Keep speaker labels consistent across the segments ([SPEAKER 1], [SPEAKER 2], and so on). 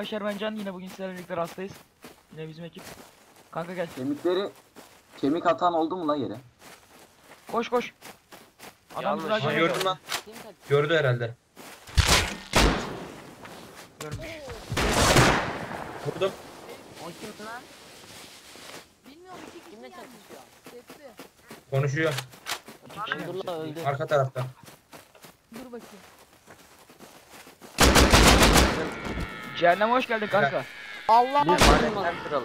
[SPEAKER 1] arkadaşlar, ben Can, yine bugün sizlerle birlikte rastlayız. Yine bizim ekip. Kanka gel.
[SPEAKER 2] Kemik atan oldu mu la yere?
[SPEAKER 1] Koş koş. Adam bizi daha
[SPEAKER 3] Ha,
[SPEAKER 1] görmedi.
[SPEAKER 3] gördüm lan. Gördü herhalde.
[SPEAKER 1] Görmüş.
[SPEAKER 3] Vurdum.
[SPEAKER 4] O kim lan?
[SPEAKER 5] Bilmiyorum, iki kişi
[SPEAKER 4] Kimle
[SPEAKER 5] gelmiş.
[SPEAKER 4] çatışıyor?
[SPEAKER 5] Sesli.
[SPEAKER 3] Konuşuyor.
[SPEAKER 1] İki kişi gelmiş.
[SPEAKER 4] Abdullah öldü.
[SPEAKER 3] Arka tarafta.
[SPEAKER 5] Dur bakayım.
[SPEAKER 1] Cehenneme hoş geldin kanka.
[SPEAKER 5] Allah
[SPEAKER 4] Lütfen kırıldı.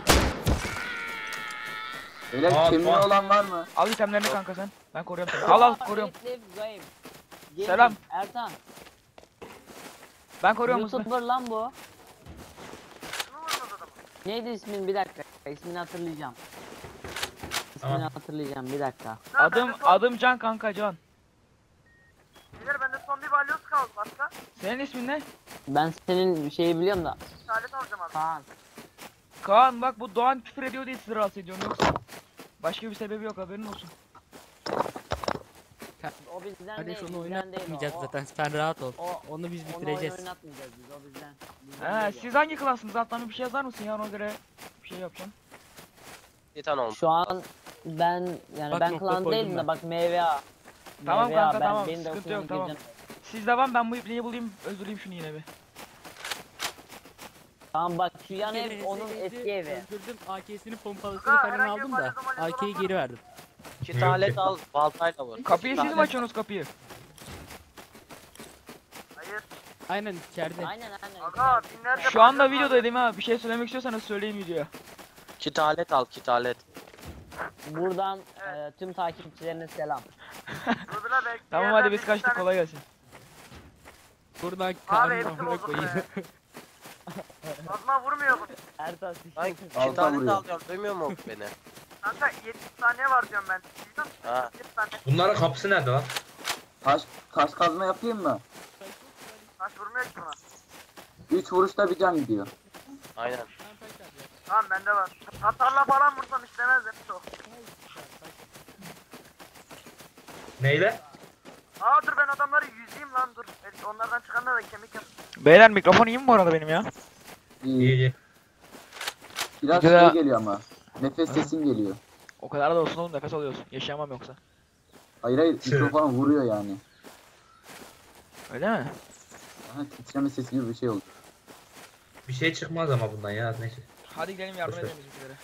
[SPEAKER 2] Beyler
[SPEAKER 3] Aa,
[SPEAKER 2] kemiği
[SPEAKER 3] bak.
[SPEAKER 2] olan var mı?
[SPEAKER 1] Al itemlerini kanka sen. Ben koruyorum seni. Al koruyorum.
[SPEAKER 4] Selam.
[SPEAKER 1] Selam.
[SPEAKER 4] Ertan.
[SPEAKER 1] Ben koruyorum hızlı.
[SPEAKER 4] YouTuber lan bu. Neydi ismin? Bir dakika. İsmini hatırlayacağım. İsmini
[SPEAKER 3] Tamam.
[SPEAKER 4] hatırlayacağım. Bir dakika.
[SPEAKER 1] Adım Can kanka, Can.
[SPEAKER 6] Beyler bende son bir balyoz kaldı başka.
[SPEAKER 1] Senin ismin ne?
[SPEAKER 4] Ben senin şeyi biliyorum da.
[SPEAKER 6] Salet alacağım abi.
[SPEAKER 4] Kaan.
[SPEAKER 1] Kaan, bak bu Doğan küfür ediyor diye sizi rahatsız ediyorum, yoksa başka bir sebebi yok, haberin olsun.
[SPEAKER 4] O bizden
[SPEAKER 7] Kardeş
[SPEAKER 4] değil.
[SPEAKER 7] onu
[SPEAKER 4] Bizden değil
[SPEAKER 7] oynatmayacağız
[SPEAKER 4] o.
[SPEAKER 7] zaten. Sen rahat ol.
[SPEAKER 4] O,
[SPEAKER 7] Onu biz
[SPEAKER 4] onu
[SPEAKER 7] bitireceğiz.
[SPEAKER 4] oynatmayacağız biz. O bizden. Bizden
[SPEAKER 1] He,
[SPEAKER 4] değil
[SPEAKER 1] siz hangi klansınız? Alttan bir şey yazar mısın ya, ona göre bir şey yapacağım.
[SPEAKER 4] o. Şu an ben yani
[SPEAKER 7] Bak
[SPEAKER 4] ben
[SPEAKER 7] nokta
[SPEAKER 4] klan
[SPEAKER 7] koydum
[SPEAKER 4] değilim
[SPEAKER 7] ben.
[SPEAKER 4] de bak MVA.
[SPEAKER 1] Tamam
[SPEAKER 4] MVA,
[SPEAKER 1] kanka,
[SPEAKER 4] ben-
[SPEAKER 1] tamam,
[SPEAKER 4] benim de
[SPEAKER 1] sıkıntı
[SPEAKER 4] hoşuma
[SPEAKER 1] yok, tamam.
[SPEAKER 4] gireceğim.
[SPEAKER 1] Siz devam, ben bu ipliği bulayım, öldüreyim şunu yine bir.
[SPEAKER 4] Tamam bak şu yan
[SPEAKER 7] Bir kere
[SPEAKER 4] ev onun
[SPEAKER 7] ezdi,
[SPEAKER 4] eski evi.
[SPEAKER 7] Öldürdüm. AK'sini pompalısını
[SPEAKER 6] Ha,
[SPEAKER 7] falan
[SPEAKER 6] herhangi bir
[SPEAKER 7] aldım da
[SPEAKER 6] malzeme olan
[SPEAKER 7] AK'yi
[SPEAKER 6] var
[SPEAKER 7] geri
[SPEAKER 6] mı?
[SPEAKER 7] verdim.
[SPEAKER 3] İki talet al.
[SPEAKER 4] baltayla vur.
[SPEAKER 1] Kapıyı siz mi açıyorsunuz kapıyı?
[SPEAKER 6] Hayır.
[SPEAKER 7] Aynen içeride.
[SPEAKER 4] Aynen.
[SPEAKER 6] Aga binlerce
[SPEAKER 1] Şu anda
[SPEAKER 6] balyoz var.
[SPEAKER 1] videodaydım ha, bir şey söylemek istiyorsanız söyleyin videoya.
[SPEAKER 8] Kitalet al, kitalet.
[SPEAKER 4] Buradan
[SPEAKER 6] Evet.
[SPEAKER 4] tüm takipçilerine selam.
[SPEAKER 6] Dur bile belki
[SPEAKER 1] Tamam
[SPEAKER 6] yerden
[SPEAKER 1] hadi biz
[SPEAKER 6] bir
[SPEAKER 1] kaçtık,
[SPEAKER 6] tane-
[SPEAKER 1] kolay gelsin.
[SPEAKER 7] Buradan
[SPEAKER 6] Abi
[SPEAKER 7] karnına
[SPEAKER 6] hepsi
[SPEAKER 7] amına
[SPEAKER 6] bozuk
[SPEAKER 7] koyayım.
[SPEAKER 6] be. Kazma vurmuyor bu.
[SPEAKER 4] Ertan
[SPEAKER 8] Ay
[SPEAKER 2] Alta
[SPEAKER 8] kitalet
[SPEAKER 2] vuruyor.
[SPEAKER 8] al diyorum, duymuyor mu beni?
[SPEAKER 6] Kanka 70 saniye var diyorum ben. Duydun mu?
[SPEAKER 8] Ha.
[SPEAKER 6] 70 saniye.
[SPEAKER 3] Bunların kapısı nerede lan?
[SPEAKER 2] Taş kazma yapayım mı?
[SPEAKER 6] Taş vurmuyor ki buna.
[SPEAKER 2] 3 vuruşta bir can gidiyor.
[SPEAKER 8] Aynen.
[SPEAKER 6] Tamam bende var. Hatarla falan vursam işlemez demiş o.
[SPEAKER 3] Neyle?
[SPEAKER 6] Aa dur ben adamları yüzeyim lan dur. Belki onlardan çıkanlar da kemik yap.
[SPEAKER 1] Beyler mikrofon iyi mi bu arada benim ya?
[SPEAKER 3] İyi
[SPEAKER 2] İyi.
[SPEAKER 3] iyi.
[SPEAKER 2] Biraz
[SPEAKER 1] Güzel.
[SPEAKER 2] şey geliyor ama. Nefes sesim geliyor.
[SPEAKER 1] O kadar da olsun oğlum, nefes alıyorsun. Yaşayamam yoksa.
[SPEAKER 2] Hayır mikrofon vuruyor yani.
[SPEAKER 1] Öyle mi?
[SPEAKER 2] Aha, titreme sesi gibi bir şey oldu.
[SPEAKER 3] Bir şey çıkmaz ama bundan ya. Neyse.
[SPEAKER 1] Hadi gidelim, yardım
[SPEAKER 3] Boş ver.
[SPEAKER 1] edelim bizimkilere.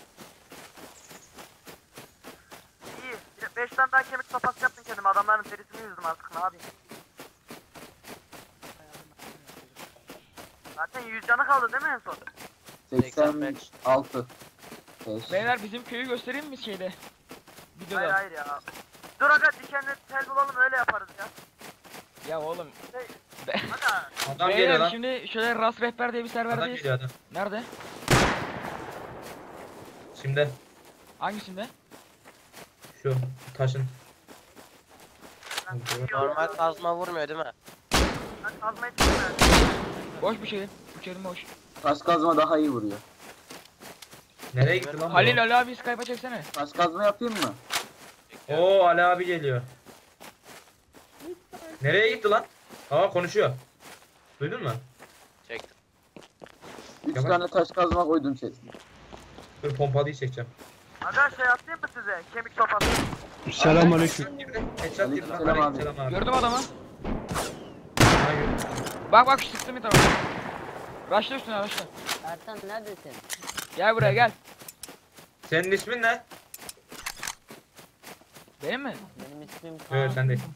[SPEAKER 6] İyi. 5 tane daha kemik sopası yaptım kendime. Adamların derisini yüzdüm artık ne yapayım. Zaten 100 canı kaldı değil mi en son?
[SPEAKER 2] 86. 5.
[SPEAKER 1] Beyler bizim köyü göstereyim mi şeyde?
[SPEAKER 6] Hayır
[SPEAKER 1] Videoda.
[SPEAKER 6] hayır ya. Dur aga dikenli tel bulalım öyle yaparız ya.
[SPEAKER 1] Ya oğlum.
[SPEAKER 6] Aga
[SPEAKER 3] Adam geliyor
[SPEAKER 1] Beyler
[SPEAKER 3] lan.
[SPEAKER 1] şimdi şöyle Rast Rehber diye bir
[SPEAKER 3] Adam
[SPEAKER 1] serverdeyiz.
[SPEAKER 3] geliyor adam.
[SPEAKER 1] Nerede?
[SPEAKER 3] Şimdi
[SPEAKER 1] Hangisinde?
[SPEAKER 3] şu taşın.
[SPEAKER 6] ben
[SPEAKER 8] Normal kazma vurmuyor değil mi?
[SPEAKER 6] Ben kazmayı çıkmıyorum.
[SPEAKER 1] Boş bir şey. Bu çelim boş.
[SPEAKER 2] Taş kazma daha iyi vuruyor.
[SPEAKER 3] Nereye gitti lan bu?
[SPEAKER 1] Halil Ali abi Skype'a çeksene.
[SPEAKER 2] Taş kazma yapayım mı?
[SPEAKER 3] Oo Ali abi geliyor. Nereye gitti lan? Aa konuşuyor. Duydun mu?
[SPEAKER 8] Çektim.
[SPEAKER 2] 3
[SPEAKER 3] Yavaş.
[SPEAKER 2] tane taş kazma koydum chest'e.
[SPEAKER 3] Dur pompalıyı çekeceğim.
[SPEAKER 6] Aga şey atayım mı size? Kemik sopası.
[SPEAKER 3] Selamünaleyküm. Headshot girdi lan.
[SPEAKER 2] Aleykümselam abi.
[SPEAKER 3] Aleykümselam abi.
[SPEAKER 1] Gördüm adamı.
[SPEAKER 3] Hayır.
[SPEAKER 1] Bak şu sıktım bir tarafa. Raşla üstüne raşla.
[SPEAKER 4] Ertan neredesin?
[SPEAKER 1] Gel buraya gel.
[SPEAKER 3] Senin ismin ne?
[SPEAKER 1] Benim mi?
[SPEAKER 4] Benim ismim Kaan.
[SPEAKER 3] Evet sen değil.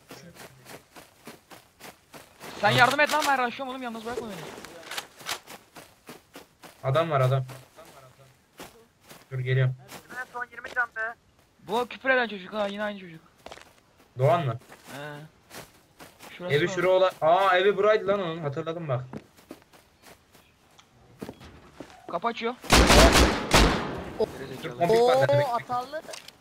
[SPEAKER 1] Sen yardım et lan, ben raşlıyorum oğlum, yalnız bırakma beni.
[SPEAKER 3] Adam var adam. Dur geliyorum.
[SPEAKER 6] En son 20 can be.
[SPEAKER 1] Bu küfür eden çocuk ha, yine aynı çocuk.
[SPEAKER 3] Doğan mı?
[SPEAKER 1] He. Şurası
[SPEAKER 3] Evi
[SPEAKER 1] mı?
[SPEAKER 3] şura olan. Aa evi buraydı lan onun. Hatırladım bak.
[SPEAKER 1] Kapı açıyor.
[SPEAKER 3] Dur
[SPEAKER 1] Gerizekalı.
[SPEAKER 3] pompik var. Ne demek?
[SPEAKER 4] atarlı.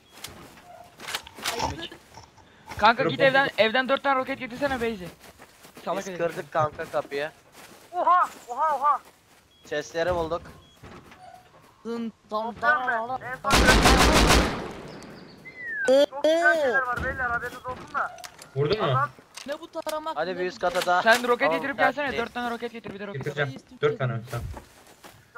[SPEAKER 1] Kanka
[SPEAKER 3] Dur,
[SPEAKER 1] git
[SPEAKER 3] pompik.
[SPEAKER 1] evden 4 tane roket getirsene Beyzi. Salak
[SPEAKER 8] Biz
[SPEAKER 1] herif.
[SPEAKER 8] kırdık kanka kapıyı.
[SPEAKER 6] Oha oha oha.
[SPEAKER 8] Chestleri bulduk.
[SPEAKER 6] Toplam ben. En son çok güzel şeyler var beyler haberiniz olsun da.
[SPEAKER 3] Vurdun mu?
[SPEAKER 6] Adam
[SPEAKER 5] Ne bu taramak?
[SPEAKER 8] Hadi
[SPEAKER 5] ne
[SPEAKER 8] bir
[SPEAKER 5] bu
[SPEAKER 8] üst kata
[SPEAKER 5] taramak?
[SPEAKER 8] daha.
[SPEAKER 1] Sen roket
[SPEAKER 8] Tamam,
[SPEAKER 1] getirip
[SPEAKER 8] dert
[SPEAKER 1] gelsene,
[SPEAKER 8] değil.
[SPEAKER 1] 4 tane roket getir, bir de roket at.
[SPEAKER 3] Getireceğim. 4 tane. Tamam.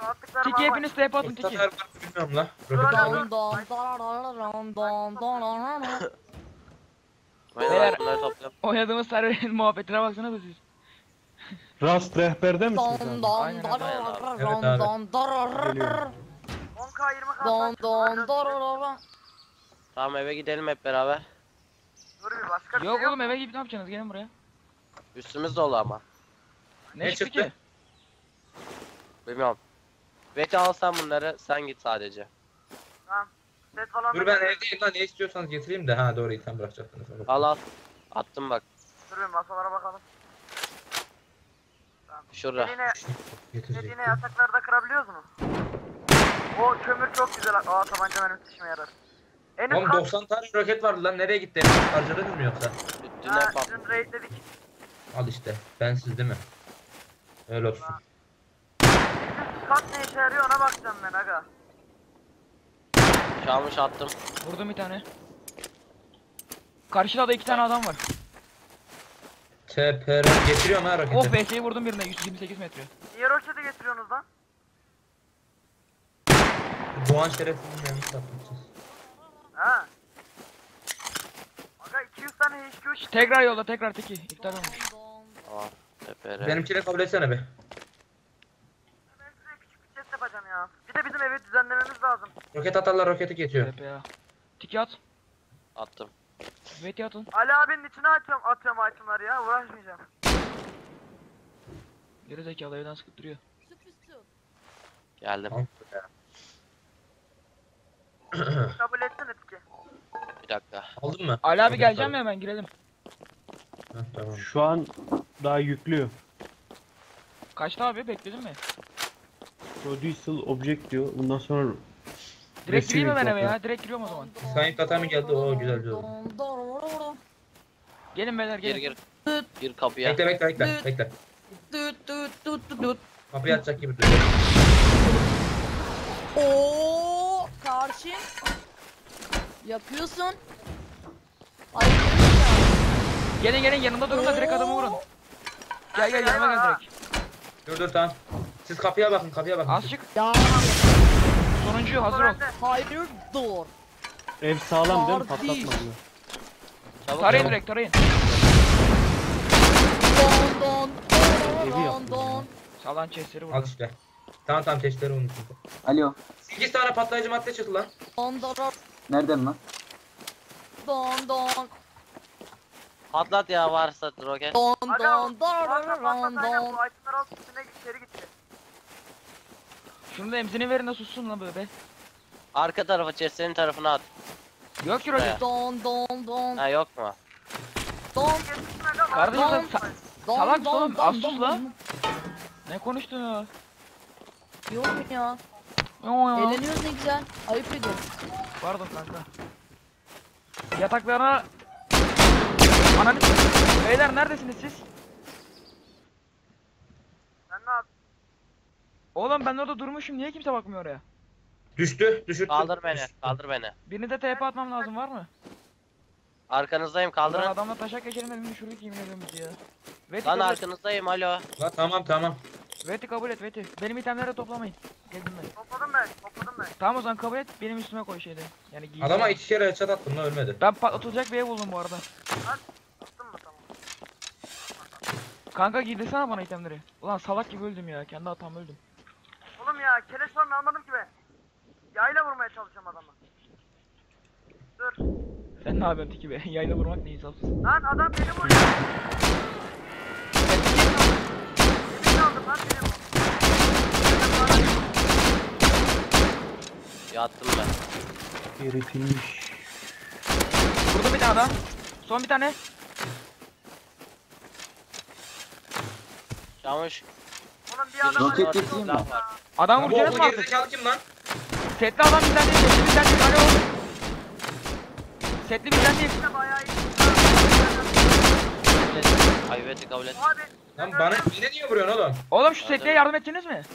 [SPEAKER 6] Attıklarımı
[SPEAKER 1] Tiki
[SPEAKER 6] almayın.
[SPEAKER 1] hepiniz TP atın
[SPEAKER 3] Usta
[SPEAKER 1] Tiki.
[SPEAKER 3] var bilmiyorum la.
[SPEAKER 6] Dur,
[SPEAKER 3] Roket
[SPEAKER 6] dur.
[SPEAKER 3] aldım.
[SPEAKER 5] Don don don don don don don.
[SPEAKER 1] Beyler.
[SPEAKER 8] Bunları topluyorum.
[SPEAKER 1] Oynadığımız serverin muhabbetine baksana da siz.
[SPEAKER 9] Rast rehberde misiniz
[SPEAKER 5] Don
[SPEAKER 9] abi?
[SPEAKER 5] don
[SPEAKER 1] Aynen,
[SPEAKER 5] don
[SPEAKER 8] aynen abi.
[SPEAKER 5] don
[SPEAKER 3] Evet
[SPEAKER 5] don
[SPEAKER 3] abi.
[SPEAKER 5] don don.
[SPEAKER 9] Geliyorum.
[SPEAKER 6] 10k 20k.
[SPEAKER 5] Don don don.
[SPEAKER 8] Tamam eve gidelim hep beraber.
[SPEAKER 6] Dur bir başka bir
[SPEAKER 1] Yok
[SPEAKER 6] şey
[SPEAKER 1] oğlum eve gidip ne yapacaksınız? Gelin buraya.
[SPEAKER 8] Üstümüz dolu ama.
[SPEAKER 1] Ne,
[SPEAKER 3] Ne
[SPEAKER 1] çıktı
[SPEAKER 3] çıktı?
[SPEAKER 1] ki?
[SPEAKER 8] Bilmiyorum. Veti alsan bunları sen git sadece.
[SPEAKER 6] Set falan.
[SPEAKER 3] Dur ben evdeyim lan, ne istiyorsanız getireyim de. Ha doğru, item bırakacaktınız.
[SPEAKER 8] Al al. Attım bak.
[SPEAKER 6] Dur bir masalara bakalım.
[SPEAKER 8] Şurada.
[SPEAKER 6] Dediğine yataklarda kırabiliyoruz mu? O kömür çok güzel. Aa tabanca mermisi işime yarar. En üst
[SPEAKER 3] Oğlum
[SPEAKER 6] kat.
[SPEAKER 3] 90 tane roket vardı lan, nereye gitti? Harcadınız mı yoksa?
[SPEAKER 8] Dün
[SPEAKER 6] Ha,
[SPEAKER 8] hep
[SPEAKER 6] dün raidledik.
[SPEAKER 3] Al işte, bensiz değil mi? Öyle olsun.
[SPEAKER 6] Üst kat ne işe yarıyor ona bakacağım ben aga.
[SPEAKER 8] çalmış attım.
[SPEAKER 1] Vurdum bir tane. Karşıda da 2 tane adam var.
[SPEAKER 3] TPR getiriyorum ha roketi.
[SPEAKER 1] Oh BS'yi vurdum birine 128 metre.
[SPEAKER 6] Niye roketi getiriyorsunuz lan?
[SPEAKER 3] Doğan şerefsizin yanını satmışız.
[SPEAKER 6] Ha. Aga 200 tane HQ
[SPEAKER 1] Tekrar yolla tekrar Tiki. İptal olmuş.
[SPEAKER 8] Tamam. TPR.
[SPEAKER 3] Benimkine kabul etsene be.
[SPEAKER 6] Ben size küçük bir test yapacağım ya. Bir de bizim evi düzenlememiz lazım.
[SPEAKER 3] Roket atarlar, roketi geçiyor.
[SPEAKER 1] TPA. Tiki at.
[SPEAKER 8] Attım.
[SPEAKER 1] Veti atın.
[SPEAKER 6] Ali abinin içine atıyorum itemları ya uğraşmayacağım.
[SPEAKER 1] Geri zekalı evden sıkıp duruyor.
[SPEAKER 8] Geldim.
[SPEAKER 3] Tamam.
[SPEAKER 6] Kabul etsene Tiki.
[SPEAKER 8] Bir dakika.
[SPEAKER 3] Aldın mı?
[SPEAKER 1] Ali abi
[SPEAKER 3] Roket
[SPEAKER 1] geleceğim
[SPEAKER 3] aldım.
[SPEAKER 1] mi hemen girelim.
[SPEAKER 3] Heh, tamam.
[SPEAKER 9] Şu an daha yüklüyor.
[SPEAKER 1] Kaçta abi bekledin mi?
[SPEAKER 9] Producial object diyor. Bundan sonra
[SPEAKER 1] Direkt gireyim mi ben eve
[SPEAKER 9] Receiving
[SPEAKER 1] ya? Direkt giriyorum o zaman.
[SPEAKER 3] Sayın Kata mı geldi? Oo güzel güzel.
[SPEAKER 1] Gelin beyler
[SPEAKER 8] Gir
[SPEAKER 1] gelin.
[SPEAKER 8] gir. Gir kapıya.
[SPEAKER 3] Bekle bekle bekle bekle.
[SPEAKER 5] Düt düt düt düt düt.
[SPEAKER 3] Kapıyı açacak gibi duruyor.
[SPEAKER 5] Oo karşı. Yakıyorsun. Ay
[SPEAKER 1] Gelin gelin yanımda durun da direkt adamı vurun. Gel gel yanıma gel direkt.
[SPEAKER 3] Dur tamam. Siz kapıya bakın, kapıya bakın.
[SPEAKER 1] Az çık.
[SPEAKER 5] ya
[SPEAKER 1] Sonuncu hazır ol.
[SPEAKER 5] hayır dur.
[SPEAKER 9] ev sağlam değil mi?
[SPEAKER 5] Kardeş.
[SPEAKER 9] Patlatma diyor.
[SPEAKER 8] Çabuk
[SPEAKER 1] Tarayın
[SPEAKER 8] çabuk.
[SPEAKER 1] direkt tarayın.
[SPEAKER 5] Don don
[SPEAKER 9] Evi
[SPEAKER 5] don
[SPEAKER 9] yaptım
[SPEAKER 5] don.
[SPEAKER 1] Sağlan chestleri
[SPEAKER 3] Al
[SPEAKER 1] vurun.
[SPEAKER 3] işte. Tamam tamam, testleri unuttum.
[SPEAKER 2] Alo.
[SPEAKER 3] 8 tane patlayıcı madde çıktı lan.
[SPEAKER 5] Don don
[SPEAKER 2] Nereden lan?
[SPEAKER 5] don don
[SPEAKER 8] Patlat ya varsa roket.
[SPEAKER 5] don
[SPEAKER 6] Aga
[SPEAKER 5] don
[SPEAKER 6] varsa
[SPEAKER 5] don
[SPEAKER 6] aynen
[SPEAKER 5] don.
[SPEAKER 6] bu itemları alıp üstüne içeri gitti.
[SPEAKER 1] Şunu da emzini verin de sussun lan böyle.
[SPEAKER 8] Arka tarafa chestlerin tarafına at.
[SPEAKER 1] Yok ki roket.
[SPEAKER 5] Don don don
[SPEAKER 8] Ha yok mu?
[SPEAKER 5] don
[SPEAKER 6] Getirsin aga.
[SPEAKER 1] Kardeşim sen
[SPEAKER 5] don
[SPEAKER 1] salak mısın oğlum? Az sus
[SPEAKER 5] don.
[SPEAKER 1] lan. Ne konuştun ya?
[SPEAKER 5] Yok ya.
[SPEAKER 1] Yo ya.
[SPEAKER 5] Eğleniyoruz ne güzel. Ayıp ediyorum.
[SPEAKER 1] Pardon kanka. Yataklarına... Ananı... Beyler neredesiniz siz?
[SPEAKER 6] Sen ne yaptın?
[SPEAKER 1] Oğlum ben orada durmuşum niye kimse bakmıyor oraya?
[SPEAKER 3] Düştü, düşürdüm.
[SPEAKER 8] Kaldır beni. Kaldır beni.
[SPEAKER 1] Birini de TP atmam lazım var mı?
[SPEAKER 8] Arkanızdayım
[SPEAKER 1] Lan
[SPEAKER 8] kaldırın.
[SPEAKER 1] adamla taşak geçelim de birini düşürdük yemin ediyorum bizi ya. Veti
[SPEAKER 8] Lan
[SPEAKER 1] kabul et.
[SPEAKER 8] arkanızdayım alo.
[SPEAKER 3] Lan tamam tamam.
[SPEAKER 1] Veti kabul et Veti. Benim itemleri de toplamayın. Geldim ben.
[SPEAKER 6] Topladım ben.
[SPEAKER 1] Tamam o zaman kabul et benim üstüme koy şeyde. Yani giy.
[SPEAKER 3] Adama 2 kere headshot attım lan, ölmedi.
[SPEAKER 1] Ben patlatılacak bir ev buldum bu arada.
[SPEAKER 6] Attın mı tamam.
[SPEAKER 1] Kanka giydirsene bana itemleri. Ulan salak gibi öldüm ya. Kendi hatam öldüm.
[SPEAKER 6] Oğlum ya keleş falan almadım ki ben. Yayla vurmaya çalışıyorum adamı. Dur.
[SPEAKER 1] Sen ne yapıyorsun Tiki be? Yayla vurmak ne insafsız.
[SPEAKER 6] Lan adam beni vuruyor. Yemin aldım lan beni vur.
[SPEAKER 8] Yattım ben.
[SPEAKER 9] Eritilmiş.
[SPEAKER 1] Vurdum bir tane daha. Son bir tane.
[SPEAKER 8] Çamış.
[SPEAKER 6] Oğlum bir adam
[SPEAKER 2] Roket
[SPEAKER 6] var.
[SPEAKER 2] getireyim mi?
[SPEAKER 1] Adam
[SPEAKER 3] Bu
[SPEAKER 1] vuracaksınız mı
[SPEAKER 3] okul
[SPEAKER 1] artık?
[SPEAKER 3] gerizekalı kim lan?
[SPEAKER 1] Setli adam bizden değil. Setli bizden değil. Alo. Setli bizden değil.
[SPEAKER 6] Bayağı iyi.
[SPEAKER 8] Kabul et. Ay Veti kabul et.
[SPEAKER 6] Abi.
[SPEAKER 3] Lan bana yine niye vuruyorsun oğlum?
[SPEAKER 1] Oğlum şu setliye yardım edeceksiniz mi?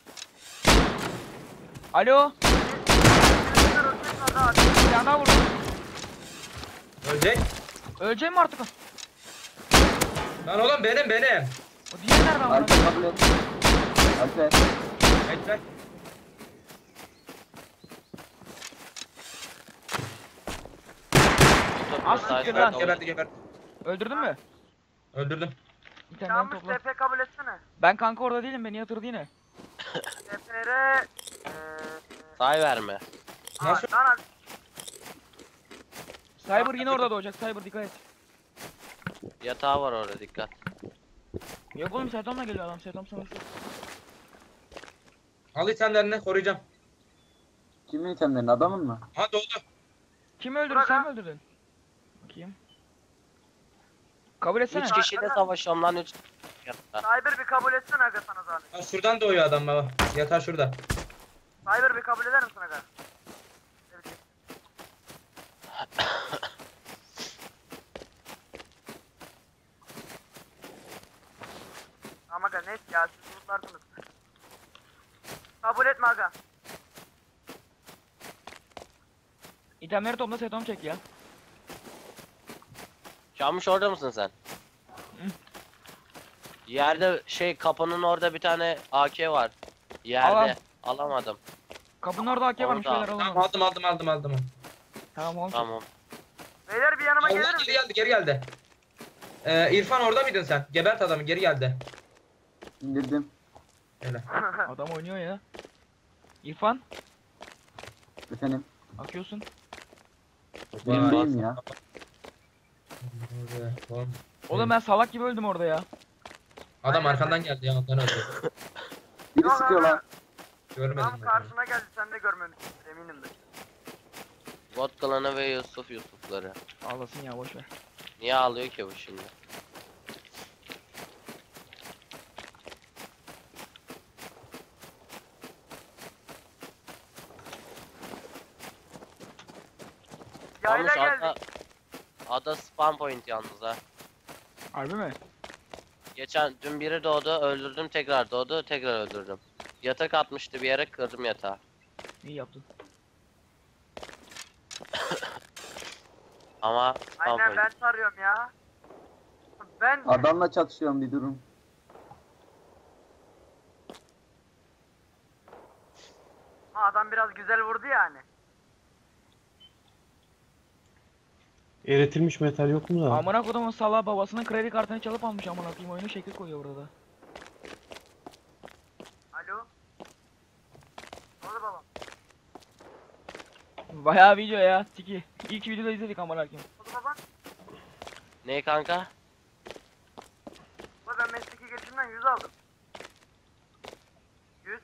[SPEAKER 1] Alo. Bir tane daha vurdum.
[SPEAKER 3] Ölecek.
[SPEAKER 1] Öleceğim mi artık?
[SPEAKER 3] Lan oğlum benim.
[SPEAKER 1] O diğeri nereden vurdu?
[SPEAKER 2] Alper kabul et. Alper.
[SPEAKER 3] Bekle.
[SPEAKER 1] Az
[SPEAKER 8] Sağ
[SPEAKER 1] siktir
[SPEAKER 8] sağ
[SPEAKER 1] lan.
[SPEAKER 8] kabul.
[SPEAKER 3] Geberdi.
[SPEAKER 1] Öldürdün mü?
[SPEAKER 3] Öldürdüm.
[SPEAKER 1] İtemlerini
[SPEAKER 6] Yanmış
[SPEAKER 1] topla.
[SPEAKER 6] TP kabul etsene.
[SPEAKER 1] Ben kanka orada değilim, beni yatırdı yine.
[SPEAKER 6] TP're...
[SPEAKER 8] Say verme.
[SPEAKER 3] Nasıl?
[SPEAKER 6] Lan
[SPEAKER 1] Cyber yine orada doğacak, Cyber dikkat et.
[SPEAKER 8] Yatağı var orada, dikkat.
[SPEAKER 1] Yok oğlum, Sertom'la geliyor adam, Sertom savaşı.
[SPEAKER 3] Al itemlerini koruyacağım.
[SPEAKER 2] Kimin itemlerini, adamın mı?
[SPEAKER 3] Ha doğdu.
[SPEAKER 1] Kim öldürdü, sen mi öldürdün? Bakayım. Kabul etsene.
[SPEAKER 8] 3 kişiyle savaşıyorum lan 3.
[SPEAKER 6] Cyber bir kabul etsene aga sana zahmet.
[SPEAKER 3] Ha, şuradan doğuyor adam baba. Yatar şurada.
[SPEAKER 6] Cyber bir kabul eder misin aga? Evet. Tamam aga net ya siz unutlardınız. Kabul etme aga.
[SPEAKER 1] İtemleri topla, Sertom çek ya.
[SPEAKER 8] Çalmış orada mısın sen? Yerde kapının orada bir tane AK var. Yerde.
[SPEAKER 1] Al.
[SPEAKER 8] Alamadım.
[SPEAKER 1] Kapının orada AK varmış,
[SPEAKER 8] Orada.
[SPEAKER 1] şeyler
[SPEAKER 3] Tamam
[SPEAKER 1] alalım.
[SPEAKER 3] aldım.
[SPEAKER 1] Tamam oğlum.
[SPEAKER 8] Tamam.
[SPEAKER 6] Beyler bir yanıma gelir
[SPEAKER 3] Allah
[SPEAKER 6] misin?
[SPEAKER 3] geri geldi. İrfan orada mıydın sen? Gebert adamı geri geldi.
[SPEAKER 2] İndirdim.
[SPEAKER 3] Öyle.
[SPEAKER 1] Adam oynuyor ya. İrfan,
[SPEAKER 2] Efendim.
[SPEAKER 1] akıyorsun.
[SPEAKER 2] Birimdeyim ya.
[SPEAKER 1] Oğlum ben salak gibi öldüm orada ya.
[SPEAKER 3] Adam arkandan geldi ya ondan öldü.
[SPEAKER 2] Biri
[SPEAKER 6] Yok
[SPEAKER 2] sıkıyor
[SPEAKER 6] aga.
[SPEAKER 2] lan.
[SPEAKER 3] Görmedim.
[SPEAKER 6] Tam karşına geldi sen de görmemişsin eminim de.
[SPEAKER 8] Bot klanı ve Yusufları.
[SPEAKER 1] Ağlasın ya, boş ver.
[SPEAKER 8] Niye ağlıyor ki bu şimdi?
[SPEAKER 6] Yayla
[SPEAKER 8] Yalnız
[SPEAKER 6] geldik.
[SPEAKER 8] ada spam point yalnız ha.
[SPEAKER 1] Harbi mi?
[SPEAKER 8] Dün biri doğdu, öldürdüm, tekrar doğdu, tekrar öldürdüm. Yatak atmıştı bir yere, kırdım yatağı.
[SPEAKER 1] İyi yaptın.
[SPEAKER 8] Ama spam
[SPEAKER 6] Aynen
[SPEAKER 8] point.
[SPEAKER 6] ben sarıyorum ya. Ben
[SPEAKER 2] Adamla çatışıyorum, bir durum.
[SPEAKER 6] adam biraz güzel vurdu yani.
[SPEAKER 9] Eritilmiş metal yok mu da?
[SPEAKER 1] Amına kodumun salağı babasının kredi kartını çalıp almış, amına koyayım, oyunu şekil koyuyor burada.
[SPEAKER 6] Alo. Ne oldu babam?
[SPEAKER 1] Bayağı video ya, tiki. İlk videoda izledik amına koyayım.
[SPEAKER 6] Ne oldu babam?
[SPEAKER 8] Ne kanka?
[SPEAKER 6] Baba ben mesleki gelişimden 100 aldım. 100.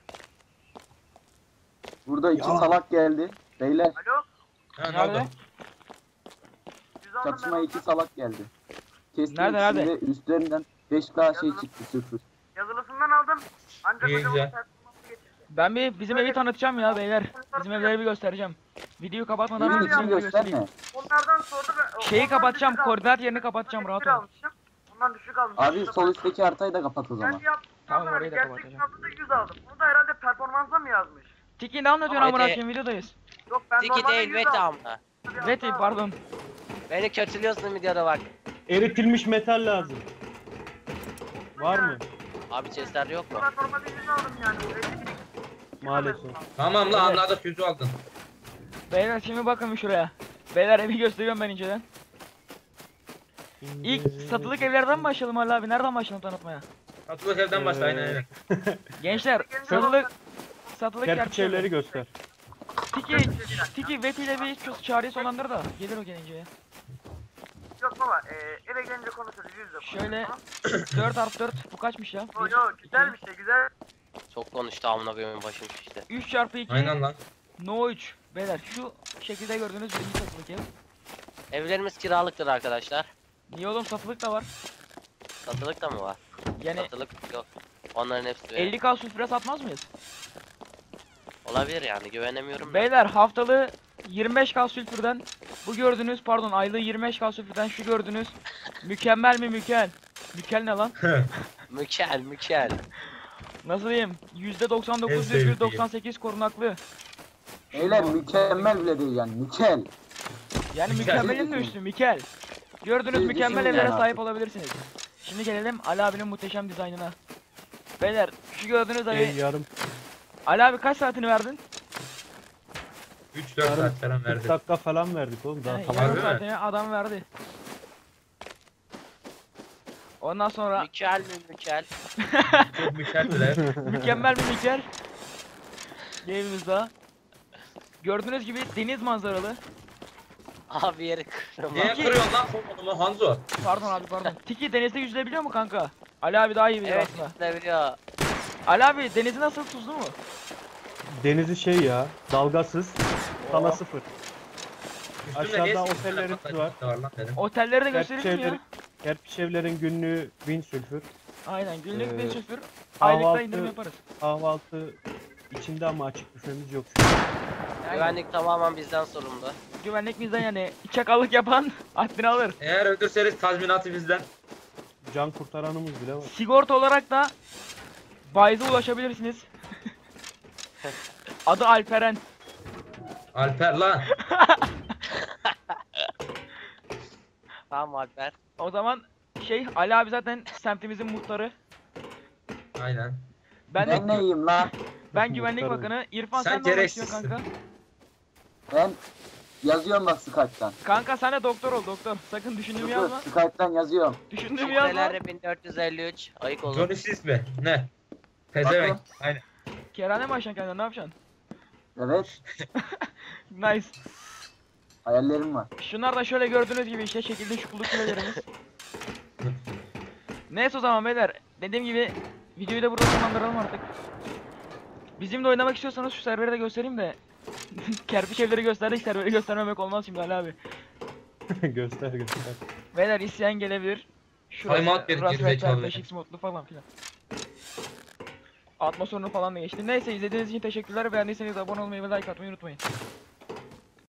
[SPEAKER 2] Burada iki
[SPEAKER 9] Ya.
[SPEAKER 2] salak geldi. Beyler,
[SPEAKER 6] Alo.
[SPEAKER 3] Ha, ne
[SPEAKER 1] Nerede?
[SPEAKER 3] oldu?
[SPEAKER 6] 100 aldım
[SPEAKER 2] çatışmaya
[SPEAKER 6] ben
[SPEAKER 2] iki
[SPEAKER 6] ondan.
[SPEAKER 2] salak geldi. Kestim
[SPEAKER 1] Nerede,
[SPEAKER 2] ikisini de üstlerinden 5K şey çıktı, sıfır.
[SPEAKER 6] Yazılısından aldım. Ancak
[SPEAKER 3] İyi,
[SPEAKER 6] hocamın
[SPEAKER 3] güzel.
[SPEAKER 6] performansı getirdi.
[SPEAKER 1] Ben bizim evi tanıtacağım ya beyler. Bizim evleri bir göstereceğim. Videoyu kapatmadan
[SPEAKER 2] Evin
[SPEAKER 1] bizim
[SPEAKER 2] içini
[SPEAKER 1] evleri
[SPEAKER 2] gösterme.
[SPEAKER 1] göstereyim.
[SPEAKER 6] Onlardan sordu ben.
[SPEAKER 1] Şeyi
[SPEAKER 6] ondan
[SPEAKER 1] kapatacağım,
[SPEAKER 6] düşük aldım.
[SPEAKER 1] koordinat yerini kapatacağım, rahat ol.
[SPEAKER 6] almışım. Ondan düşük almışım.
[SPEAKER 2] Abi sol üstteki haritayı da kapat o zaman.
[SPEAKER 6] Kendi yaptığım
[SPEAKER 1] Tamam,
[SPEAKER 6] zaman
[SPEAKER 1] orayı da
[SPEAKER 6] gerçek
[SPEAKER 1] kapatacağım.
[SPEAKER 6] sınavda 100 aldım. Onu da herhalde performansa mı yazmış?
[SPEAKER 1] Tiki ne anlatıyorsun amına
[SPEAKER 8] Veti.
[SPEAKER 1] koyayım, videodayız.
[SPEAKER 6] Yok ben
[SPEAKER 8] Tiki
[SPEAKER 6] normalde
[SPEAKER 8] değil,
[SPEAKER 6] 100
[SPEAKER 8] Veti
[SPEAKER 6] aldım.
[SPEAKER 8] amına.
[SPEAKER 1] Veti pardon.
[SPEAKER 8] Beni kötülüyorsun videoda bak.
[SPEAKER 9] Eritilmiş metal lazım. Var mı?
[SPEAKER 8] Abi chestler yok mu?
[SPEAKER 6] Ben normalde 100 aldım yani.
[SPEAKER 9] Maalesef.
[SPEAKER 3] Tamam la
[SPEAKER 1] Evet.
[SPEAKER 3] anladık 100'ü aldın.
[SPEAKER 1] Beyler şimdi bakın bir şuraya. Beyler evi gösteriyorum ben inceden. İlk satılık evlerden mi başlayalım Ali abi? Nereden başlayalım tanıtmaya?
[SPEAKER 3] Satılık evden başla aynen.
[SPEAKER 1] Gençler satılık
[SPEAKER 9] Kerpiç
[SPEAKER 1] yer-
[SPEAKER 9] evleri göster.
[SPEAKER 1] Tiki Veti ile bir çağrıya sonlandır da gelir o gelince ya.
[SPEAKER 6] Yok baba eve gelince konuşuruz 100 de.
[SPEAKER 1] Şöyle 4x4 bu kaçmış ya?
[SPEAKER 6] Yo yo güzelmiş de güzel.
[SPEAKER 8] Çok konuştu amına koyayım başım şişti.
[SPEAKER 1] 3x2
[SPEAKER 3] Aynen lan.
[SPEAKER 1] No 3. Beyler şu şekilde gördüğünüz birinci satılık ev.
[SPEAKER 8] Evlerimiz kiralıktır arkadaşlar.
[SPEAKER 1] Niye oğlum, satılık da var.
[SPEAKER 8] Satılık da mı var?
[SPEAKER 1] Yani
[SPEAKER 8] Satılık yok. Onların hepsi
[SPEAKER 1] 50k sülfüre satmaz mıyız?
[SPEAKER 8] olabilir yani, güvenemiyorum. da.
[SPEAKER 1] Beyler haftalığı 25k sülfürden bu gördüğünüz, pardon aylığı 25k sülfürden şu gördüğünüz mükemmel mi mükemmel? Mükemmel ne lan?
[SPEAKER 8] Mükel.
[SPEAKER 1] Nasıl diyeyim?
[SPEAKER 3] En
[SPEAKER 1] %99,98 korunaklı.
[SPEAKER 2] Beyler mükemmel bile değil yani, mükel.
[SPEAKER 1] Yani
[SPEAKER 3] Mükemmel.
[SPEAKER 1] mükemmelin de üstü mükel. Gördüğünüz
[SPEAKER 2] Siz
[SPEAKER 1] mükemmel
[SPEAKER 2] düşünün
[SPEAKER 1] evlere
[SPEAKER 2] yani
[SPEAKER 1] sahip olabilirsiniz. Şimdi gelelim Ali abinin muhteşem dizaynına. Beyler şu gördüğünüz evi
[SPEAKER 9] Yarım.
[SPEAKER 1] Ali abi kaç saatini verdin?
[SPEAKER 3] 3-4 saat falan
[SPEAKER 9] 40
[SPEAKER 3] verdi.
[SPEAKER 9] dakika falan verdik oğlum. Daha
[SPEAKER 1] Yani
[SPEAKER 9] tamam.
[SPEAKER 1] yarım
[SPEAKER 3] değil mi?
[SPEAKER 1] saatine adam verdi. Ondan sonra
[SPEAKER 8] Mükel mi mükel?
[SPEAKER 3] Çok mükemmeldiler.
[SPEAKER 1] mükemmel bir Mikel. Game'imiz daha. Gördüğünüz gibi deniz manzaralı.
[SPEAKER 8] Abi yeri kırma.
[SPEAKER 3] Niye kırıyorsun lan kolumu Hanzo?
[SPEAKER 1] Pardon abi pardon. Tiki denizde yüzülebiliyor mu kanka? Ali abi daha iyi bilir
[SPEAKER 8] Evet
[SPEAKER 1] aslında.
[SPEAKER 8] ne biliyor.
[SPEAKER 1] Ali abi denizi nasıl, tuzlu mu?
[SPEAKER 9] Denizi şey ya, dalgasız, sana sıfır.
[SPEAKER 3] Üstünde niye
[SPEAKER 9] Aşağıda
[SPEAKER 3] siz
[SPEAKER 9] otellerimiz
[SPEAKER 3] tane
[SPEAKER 9] var.
[SPEAKER 3] patlayıcı var lan dedim.
[SPEAKER 1] Otelleri de gösterelim mi ya?
[SPEAKER 9] Kerpiç evlerin günlüğü 1000 sülfür.
[SPEAKER 1] Aynen günlük
[SPEAKER 9] Ee,
[SPEAKER 1] bir sıfır. Aylıkta
[SPEAKER 9] kahvaltı-
[SPEAKER 1] indirim yaparız.
[SPEAKER 9] Kahvaltı içinde ama açık büfemiz yok.
[SPEAKER 1] Yani
[SPEAKER 8] Güvenlik tamamen bizden sorumlu.
[SPEAKER 1] güvenlik bizden yani çakallık yapan haddini alır.
[SPEAKER 3] Eğer öldürseniz tazminatı bizden.
[SPEAKER 9] Can kurtaranımız bile var.
[SPEAKER 1] Sigorta olarak da Bayez'e ulaşabilirsiniz. Adı Alperen.
[SPEAKER 3] Alper lan.
[SPEAKER 8] Tamam Alper.
[SPEAKER 1] O zaman Ali abi zaten semtimizin muhtarı.
[SPEAKER 3] Aynen.
[SPEAKER 1] Ben
[SPEAKER 2] Ben neyim lan?
[SPEAKER 1] ben güvenlik
[SPEAKER 9] Muhtarım.
[SPEAKER 1] bakanı. İrfan
[SPEAKER 3] Sen
[SPEAKER 1] sen ne olmak
[SPEAKER 3] gereksizsin.
[SPEAKER 1] istiyorsun kanka?
[SPEAKER 2] Ben yazıyorum bak Skype'tan.
[SPEAKER 1] Kanka sen de doktor ol doktor. Sakın düşündüğümü
[SPEAKER 2] Dur
[SPEAKER 1] yazma.
[SPEAKER 2] Skype'tan yazıyorum.
[SPEAKER 1] Düşündüğümü yazma.
[SPEAKER 8] Şifreleri 1453. Ayık olun.
[SPEAKER 3] Johnny Sis mi? Ne? Pezevenk.
[SPEAKER 2] Bakın.
[SPEAKER 3] Aynen.
[SPEAKER 1] Kerane mi açacaksın kendine, ne yapacaksın?
[SPEAKER 2] Evet.
[SPEAKER 1] Nice.
[SPEAKER 2] Hayallerim var.
[SPEAKER 1] Şunlar da şöyle gördüğünüz gibi işte şekilde şukuluk kulelerimiz. Neyse o zaman beyler. Dediğim gibi videoyu da burada sonlandıralım artık. Bizimle oynamak istiyorsanız şu serveri de göstereyim de. Kerpiç evleri gösterdik, serveri göstermemek olmaz şimdi Ali abi.
[SPEAKER 9] göster.
[SPEAKER 1] Beyler isyan gelebilir.
[SPEAKER 3] Timeout bir gerizekalı.
[SPEAKER 1] 5x modlu falan filan. Atmosferini falan da geçti. Neyse izlediğiniz için teşekkürler. Beğendiyseniz abone olmayı ve like atmayı unutmayın.